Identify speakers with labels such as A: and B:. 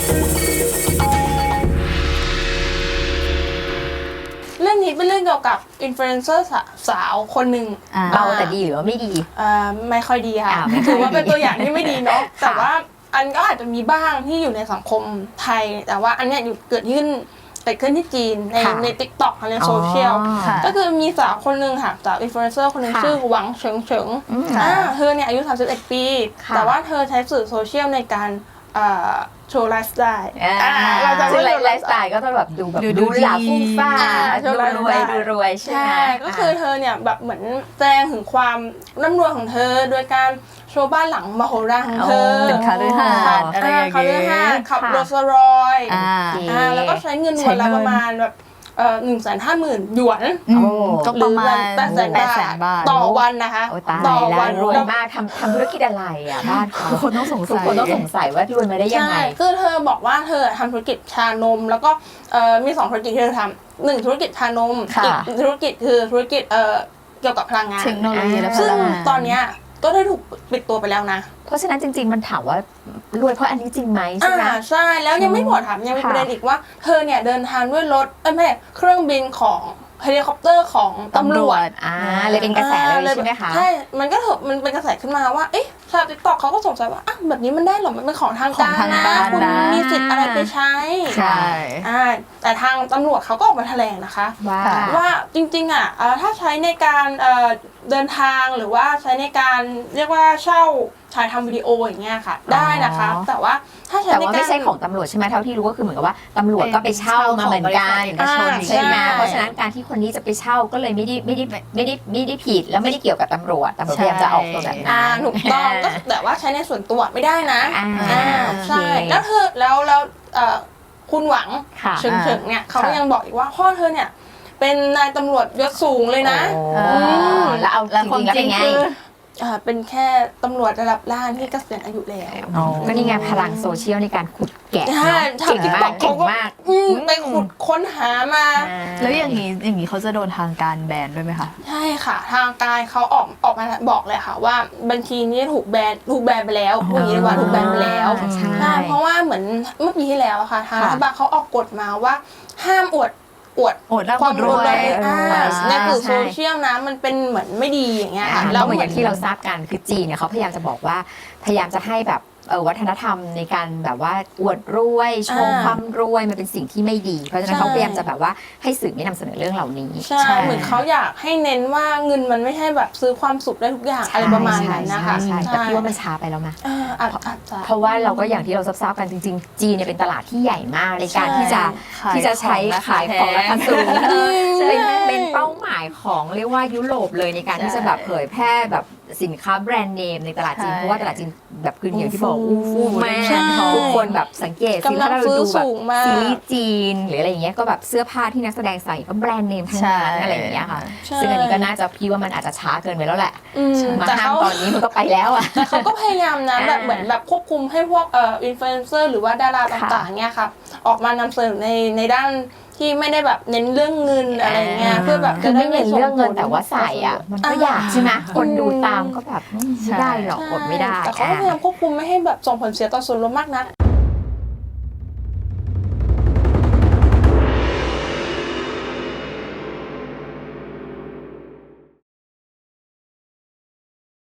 A: เรื่องนี้เป็นเรื่องเกี่ยวกับอินฟลูเอนเซอร์สาวคนหนึ่ง
B: เบาแต่ดีหรือว่าไม่ดี
A: ไม่ค่อยดีค่ะถือว่าเป็นตัวอย่างที่ไม่ดีเนาะแต่ว่าอันก็อาจจะมีบ้างที่อยู่ในสังคมไทยแต่ว่าอันเนี้ยเกิดขึ้นที่จีนใน TikTok ในโซเชียลก็คือมีสาวคนหนึ่งค่ะสาวอินฟลูเอนเซอร์คนหนึ่งชื่อหวังเฉิงเฉิงเธอเนี่ยอายุ31 ปีแต่ว่าเธอใช้สื่อโซเชียลในการโชว์ไลฟ์สไตล์
B: เราจะไม่ไลฟ์สไตล์ก็ต้องแบบดูหลาฟุ้งฟ้าดูรวยใช่ไหม
A: ก็คือเธอเนี่ยแบบเหมือนแสดงถึงความร่ำรวยของเธอโดยการโชว์บ้านหลังมโหฬารของเธอ
C: เป็นคาฤหาสน์อะไรอย่างเงี้ย
A: ขับโรลส์รอยซ์แล้วก็ใช้เงินวันละประมาณแบบ150,000 หยวน
C: ก็ประมาณ
A: 800,000 บาทต่อวันนะคะ
B: ต่อวันรวยมากทำธุรกิจอะไรอ่ะบ้านเขา
C: คนต้องสง
B: สัยว่ารวยมาได้ยังไง
A: คือเธอบอกว่าเธอทำธุรกิจชานมแล้วก็มี2ธุรกิจที่เธอทำ1ธุรกิจชานมอีกธุรกิจคือธุรกิจเกี่ยวกับพลังงาน
C: เทคโนโลยีและพลังงาน
A: ซึ่งตอนเนี้ยก็ได้ถูกปิดตัวไปแล้วนะ
B: เพราะฉะนั้นจริงๆมันถามว่ารวยเพราะอันนี้จริงไหมใช่ไหม
A: ใช่แล้วยังไม่หมดถามยังมีประเด็นอีกว่าเธอเนี่ยเดินทางด้วยรถไม่เครื่องบินของเฮลิคอปเตอร์ของตำรวจ
B: เลยเป็นกระแสเลยใช่ไหมคะ
A: ใช่มันก็มันเป็นกระแสขึ้นมาว่าเอ๊ะชาว TikTok เขาก็สงสัยว่าแบบนี้มันได้หรอมันเป็นของทางการนะคุณมีสิทธิ์อะไรไปใช้
C: ใช่
A: แต่ทางตำรวจเขาก็ออกมาแถลงนะคะว่าจริงๆถ้าใช้ในการเดินทางหรือว่าใช้ในการเรียกว่าเช่าถ่ายทำวิดีโออย่างเงี้ยค่ะได้นะคะแต่ว่าถ้าใช้ในการ
B: ไม่ใช่ของตำรวจใช่ไหมเท่าที่รู้ก็คือเหมือนกับว่าตำรวจก็ไปเช่ามาเหมือนกันใช่ไหมเพราะฉะนั้นการที่คนนี้จะไปเช่าก็เลยไม่ได้ผิดแล้วไม่ได้เกี่ยวกับตำรวจพยายามจะออกตัวแบบนั้น
A: ถูกต้องก็แต่ว่าใช้ในส่วนตัวไม่ได้นะใช่แล้วเธอแล้วคุณหวังเฉิงเนี่ยเขาก็ยังบอกอีกว่าพ่อเธอเนี่ยเป็นนายตำรวจยศสูงเลยนะ
B: แล้วเอาจริงๆคือ
A: เป็นแค่ตำรวจระดับล่างที่เกษียณอายุแล้ว
B: ก็นี่ไงพลังโซเชียลในการขุดแกะเก่งมาก
A: ไปขุดค้นหามา
C: แล้วอย่างนี้เขาจะโดนทางการแบนด้วยไหมคะ
A: ใช่ค่ะทางการเขาออกมาบอกเลยค่ะว่าบัญชีนี้ถูกแบนไปแล้วอย่างนี้ว่าถูกแบนไปแล้วใช่เพราะว่าเหมือนเมื่อปีที่แล้วค่ะทางรัฐบาลเขาออกกฎมาว่าห้ามอวด
C: ความรวย
A: ในสื่อโซเชียลนะมันเป็นเหมือนไม่ดีอย่างเงี้ย
B: แล้วเหมือนอย่างที่เราทราบกันคือจีนเนี่ยเขาพยายามจะบอกว่าพยายามจะให้แบบวัฒนธรรมในการแบบว่าอวดรวยโชว์ความรวยมันเป็นสิ่งที่ไม่ดีเพราะฉะนั้นเขาพยายามจะแบบว่าให้สื่อไม่นำเสนอเรื่องเหล่านี้
A: ใช่เหมือนเขาอยากให้เน้นว่าเงินมันไม่ใช่แบบซื้อความสุขได้ทุกอย่างอะไรประมาณนั้นนะคะ
B: แต่พี่ว่ามันช้าไปแล้วนะ
A: เพ
B: ราะว่าเราก็อย่างที่เราทราบกันจริงๆจีนเนี่ยเป็นตลาดที่ใหญ่มากในการที่จะใช้ขายของราคาสูงเป็นเป้าหมายของเรียกว่ายุโรปเลยในการที่จะแบบเผยแพร่แบบสินค้าแบรนด์เนมในตลาดจีนเพราะว่าตลาดจีนแบบคืออย่างที่บอกฟูมากทุกคนแบบสังเกตสิถ้าเราดูแบบซีรีส์จีนหรืออะไรอย่างเงี้ยก็แบบเสื้อผ้าที่นักแสดงใส่ก็แบรนด์เนมทั้งนั้นอะไรอย่างเงี้ยค่ะซึ่งอันนี้ก็น่าจะพี่ว่ามันอาจจะช้าเกินไปแล้วแหละมาห้ามตอนนี้มันก็ไปแล้วอ่ะ
A: เขาก็พยายามนะแบบเหมือนแบบควบคุมให้พวกอินฟลูเอนเซอร์หรือว่าดาราต่างๆเงี้ยค่ะออกมานำเสนอในด้านที่ไม่ได้แบบเน้นเรื่องเงินอะไรเงี้ยเพื่อแบบ
B: จะไม่เน้นเรื่องเงินแต่ว่าใส่อ่ะมันก็อยากใช่ไหมคนดูตามก็แบบไม่ได้หรอกอดไม่ได้
A: แต่เขาพยายามควบคุมไม่ให้แบบส่งผลเสียต่อส่วนรวมมากนัก